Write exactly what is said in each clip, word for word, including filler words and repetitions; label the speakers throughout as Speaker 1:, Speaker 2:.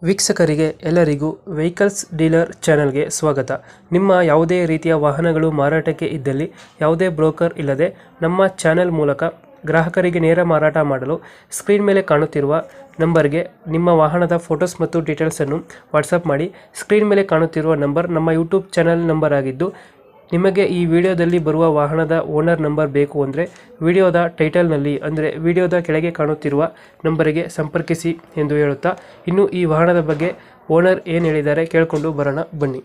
Speaker 1: ವೀಕ್ಷಕರಿಗೆ ಎಲ್ಲರಿಗೂ vehicles dealer ಚಾನೆಲ್ಗೆ ಸ್ವಾಗತ. ನಿಮ್ಮ ಯಾವುದೇ ರೀತಿಯ ವಾಹನಗಳು ಮಾರಾಟಕ್ಕೆ ಇದ್ದಲ್ಲಿ ಯಾವುದೇ ಬ್ರೋಕರ್ ಇಲ್ಲದೆ ನಮ್ಮ ಚಾನೆಲ್ ಮೂಲಕ ಗ್ರಾಹಕರಿಗೆ ನೇರ ಮಾರಾಟ ಮಾಡಲು ಸ್ಕ್ರೀನ್ ಮೇಲೆ ಕಾಣುತ್ತಿರುವ ನಂಬರ್ಗೆ ನಿಮ್ಮ ವಾಹನದ ಫೋಟೋಸ್ ಮತ್ತು ಡೀಟೇಲ್ಸನ್ನು ವಾಟ್ಸಪ್ ಮಾಡಿ. ಸ್ಕ್ರೀನ್ ಮೇಲೆ ಕಾಣುತ್ತಿರುವ ನಂಬರ್ ನಮ್ಮ ಯೂಟ್ಯೂಬ್ ಚಾನೆಲ್ ನಂಬರ್ ಆಗಿದ್ದು, ನಿಮಗೆ ಈ ವಿಡಿಯೋದಲ್ಲಿ ಬರುವ ವಾಹನದ ಓನರ್ ನಂಬರ್ ಬೇಕು ಅಂದರೆ ವಿಡಿಯೋದ ಟೈಟಲ್ನಲ್ಲಿ ಅಂದರೆ ವಿಡಿಯೋದ ಕೆಳಗೆ ಕಾಣುತ್ತಿರುವ ನಂಬರಿಗೆ ಸಂಪರ್ಕಿಸಿ ಎಂದು ಹೇಳುತ್ತಾ, ಇನ್ನು ಈ ವಾಹನದ ಬಗ್ಗೆ ಓನರ್ ಏನು ಹೇಳಿದ್ದಾರೆ ಕೇಳಿಕೊಂಡು ಬರೋಣ ಬನ್ನಿ.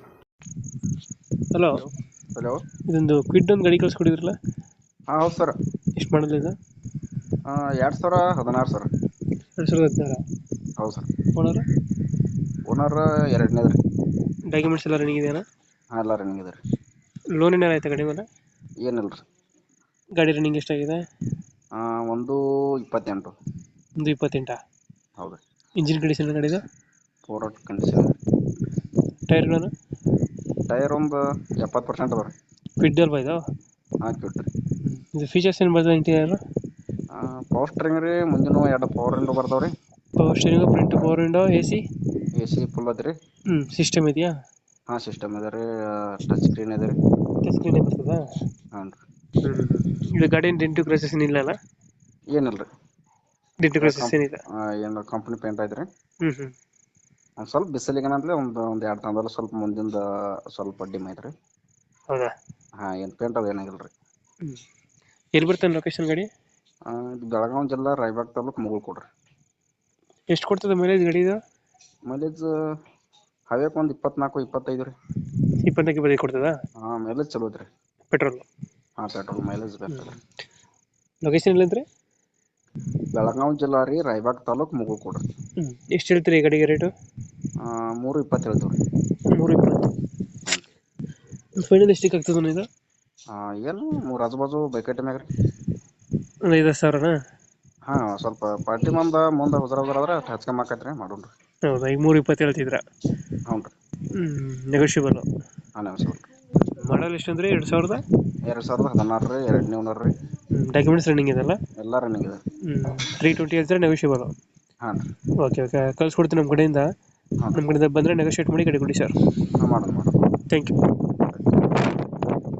Speaker 1: Hello,
Speaker 2: hello.
Speaker 1: ಇದೊಂದು ಕ್ವಿಡ್ ಒಂದು ಗಾಡಿ ಕಳಿಸ್ಕೊಡಿದ್ರಲ್ಲ,
Speaker 2: ಹಾಂ ಹೌದು ಸರ್.
Speaker 1: ಎಷ್ಟು ಮಾಡಲ್ ಇದು?
Speaker 2: ಎರಡು ಸಾವಿರ ಹದಿನಾರು ಸರ್.
Speaker 1: ಎರಡು ಸಾವಿರದ ಹದಿನಾರು.
Speaker 2: ಹೌದು ಸರ್.
Speaker 1: ಓನರ್
Speaker 2: ಓನರ್ ಎರಡನೇದು ರೀ.
Speaker 1: ಡಾಕ್ಯುಮೆಂಟ್ಸ್ ಎಲ್ಲ ರನ್ನಿಂಗ್ ಇದೆಯಾ?
Speaker 2: ಹಾಂ ಎಲ್ಲ ರನ್ನಿಂಗ್ ಇದೆ ರೀ.
Speaker 1: ಲೋನ್ ಏನಾರು ಆಯ್ತಾ ಗಾಡಿ ಮೇಲೆ?
Speaker 2: ಏನಿಲ್ಲ ರೀ.
Speaker 1: ಗಾಡಿ ರನ್ನಿಂಗ್ ಎಷ್ಟಾಗಿದೆ?
Speaker 2: ಒಂದು ಇಪ್ಪತ್ತೆಂಟು.
Speaker 1: ಒಂದು ಇಪ್ಪತ್ತೆಂಟಾ?
Speaker 2: ಹೌದು.
Speaker 1: ಇಂಜಿನ್ ಕಂಡೀಷನ್ ಗಾಡಿದು?
Speaker 2: Four out condition.
Speaker 1: ಟೈರ್ಗಳನ್ನು?
Speaker 2: ಟೈರ್ ಒಂದು ಎಪ್ಪತ್ತು ಪರ್ಸೆಂಟ್ ಅದ ರೀ.
Speaker 1: ಕ್ವಿಡ್ ಅಲ್ವಾ ಇದು?
Speaker 2: ಹಾಂ ಕ್ವಿಟ್ ರೀ.
Speaker 1: ಇದು ಫೀಚರ್ಸ್ ಏನು ಬರ್ತದೆ ಇಂಟೀರಿಯರ್?
Speaker 2: ಪವರ್ ಸ್ಟ್ರಿಂಗ್ ರೀ, ಮುಂದಿನ ಎರಡು ಪವರ್ ವಿಂಡೋ ಬರ್ತಾವೆ ರೀ.
Speaker 1: Power steering, front power window, A C?
Speaker 2: A C full ಅದ ರೀ.
Speaker 1: ಹ್ಞೂ ಸಿಸ್ಟಮ್ ಇದೆಯಾ?
Speaker 2: ಹಾಂ ಸಿಸ್ಟಮ್ ಇದೆ ರೀ. ಟಚ್ ಸ್ಕ್ರೀನ್ ಇದೆ ರೀ.
Speaker 1: ಟಚ್ ಸ್ಕ್ರೀನ್ ಬರ್ತದಾ?
Speaker 2: ಹಾಂ ರೀ.
Speaker 1: ಹ್ಞೂ ಇದು ಗಾಡಿ ಡೆಂಟು ಕ್ರೈಸಸ್ ಏನಿಲ್ಲ ಅಲ್ಲ?
Speaker 2: ಏನಿಲ್ಲ ರೀ.
Speaker 1: ಡೆಂಟು ಕ್ರೈಸಸ್ ಏನಿಲ್ಲ?
Speaker 2: ಏನು ಕಂಪ್ನಿ ಪೇಂಟ್ ಐತೆ ರೀ.
Speaker 1: ಹ್ಞೂ ಹ್ಞೂ
Speaker 2: ಒಂದು ಸ್ವಲ್ಪ ಬಿಸಿಲಿಗೇನಂದ್ರೆ ಒಂದು ಒಂದು ಎರಡು ತಂದಲ್ಲಿ ಸ್ವಲ್ಪ ಮುಂದಿಂದ ಸ್ವಲ್ಪ ಡಿಮ್ ಐತೆ ರೀ.
Speaker 1: ಹೌದಾ?
Speaker 2: ಹಾಂ ಏನು ಪೇಂಟ್ ಅದು ಏನಾಗಿಲ್ಲ ರೀ.
Speaker 1: ಹ್ಞೂ ಎಲ್ಲಿ ಬರ್ತಾನೆ ಲೊಕೇಶನ್ ಗಾಡಿ?
Speaker 2: ಇದು ಬೆಳಗಾವಿ ಜಿಲ್ಲಾ ರಾಯಬಾಗ್ ತಾಲೂಕು ಮುಗುಳ್ ಕೊಡ್ರಿ.
Speaker 1: ಎಷ್ಟು ಕೊಡ್ತದೆ ಮೈಲೇಜ್ ಗಾಡಿ ಇದು?
Speaker 2: ಮೈಲೇಜ್ ಹೈವೇಕ್ ಒಂದು ಇಪ್ಪತ್ನಾಲ್ಕು ಇಪ್ಪತ್ತೈದು ರೀ.
Speaker 1: ಇಪ್ಪತ್ತಕ್ಕೆ ಬರೀ ಕೊಡ್ತದಾ?
Speaker 2: ಹಾಂ ಮೈಲೇಜ್ ಚಲೋ ಐತ್ರಿ.
Speaker 1: ಪೆಟ್ರೋಲ್?
Speaker 2: ಹಾಂ ಪೆಟ್ರೋಲ್ ಮೈಲೇಜ್ ಬೇಕು.
Speaker 1: ಲೊಕೇಶನ್ ಎಲ್ಲಂದ್ರೆ?
Speaker 2: ಬೆಳಗಾವಿ ಜಿಲ್ಲಾ ರೀ, ರಾಯಬಾಗ್ ತಾಲೂಕು ಮುಗುಳ್ ಕೊಡ್ರಿ.
Speaker 1: ಹ್ಞೂ ಎಷ್ಟು ಹೇಳ್ತೀರಿ ಈ ಗಾಡಿಗೆ ರೇಟು?
Speaker 2: ಮೂರು ಇಪ್ಪತ್ತು ಹೇಳ್ತೀವಿ ರೀ.
Speaker 1: ಮೂರು ಇಪ್ಪತ್ತು. ಫೈನಲ್ ಎಷ್ಟಕ್ಕೆ ಆಗ್ತದೆ ಇದು?
Speaker 2: ಏನು ಮೂರು ಆಜು ಬಾಜು ಬೈಕೈತೆ ಮ್ಯಾಗ ರೀ.
Speaker 1: ಒಂದು ಐದು ಸಾವಿರನಾ?
Speaker 2: ಹಾಂ ಸ್ವಲ್ಪ ಪಾರ್ಟಿ ಮಂದ ಮುಂದೆ ಹುಜರ ಹುಜರ ಆದ್ರೆ ಹಚ್ಕೊಂಬಾಕೈತೆ ರೀ, ಮಾಡೋಣ ರೀ.
Speaker 1: ಹೌದಾ? ಈಗ ಮೂರು ಇಪ್ಪತ್ತು ಹೇಳ್ತಿದ್ರ?
Speaker 2: ಹ್ಞೂ ರೀ.
Speaker 1: ಹ್ಞೂ ನೆಗೋಷಿಯಬಲ್?
Speaker 2: ಹಾಂ ನೆಗೋಷಿಯಬಲ್ ರೀ.
Speaker 1: ಮಾಡಲ್ ಎಷ್ಟು ಅಂದರೆ ಎರಡು ಸಾವಿರದ
Speaker 2: ಎರಡು ಸಾವಿರದ ಹದಿನಾರು ರೀ, ಎರಡನೇ ಓನರ್ ರೀ.
Speaker 1: ಹ್ಞೂ ಡಾಕ್ಯುಮೆಂಟ್ಸ್ ರನ್ನಿಂಗ್ ಇದೆಲ್ಲ?
Speaker 2: ಎಲ್ಲ ರನ್ನಿಂಗ್ ಇದೆ.
Speaker 1: ಹ್ಞೂ ತ್ರೀ ಟ್ವೆಂಟಿ ಹೇಳ್ತಾರೆ, ನೆಗೋಷಿಯಬಲ್?
Speaker 2: ಹಾಂ ರೀ.
Speaker 1: ಓಕೆ ಓಕೆ ಕಳ್ಸ್ಕೊಡ್ತೀನಿ ನಮ್ಮ ಕಡೆಯಿಂದ.
Speaker 2: ಹಾಂ
Speaker 1: ನಮ್ಮ ಕಡೆಯಿಂದ ಬಂದರೆ ನೆಗೋಷಿಯೇಟ್ ಮಾಡಿ ಗಾಡಿ ಕೊಡಿ ಸರ್.
Speaker 2: ಹಾಂ ಮಾಡೋಣ ಮಾಡೋಣ.
Speaker 1: Thank you.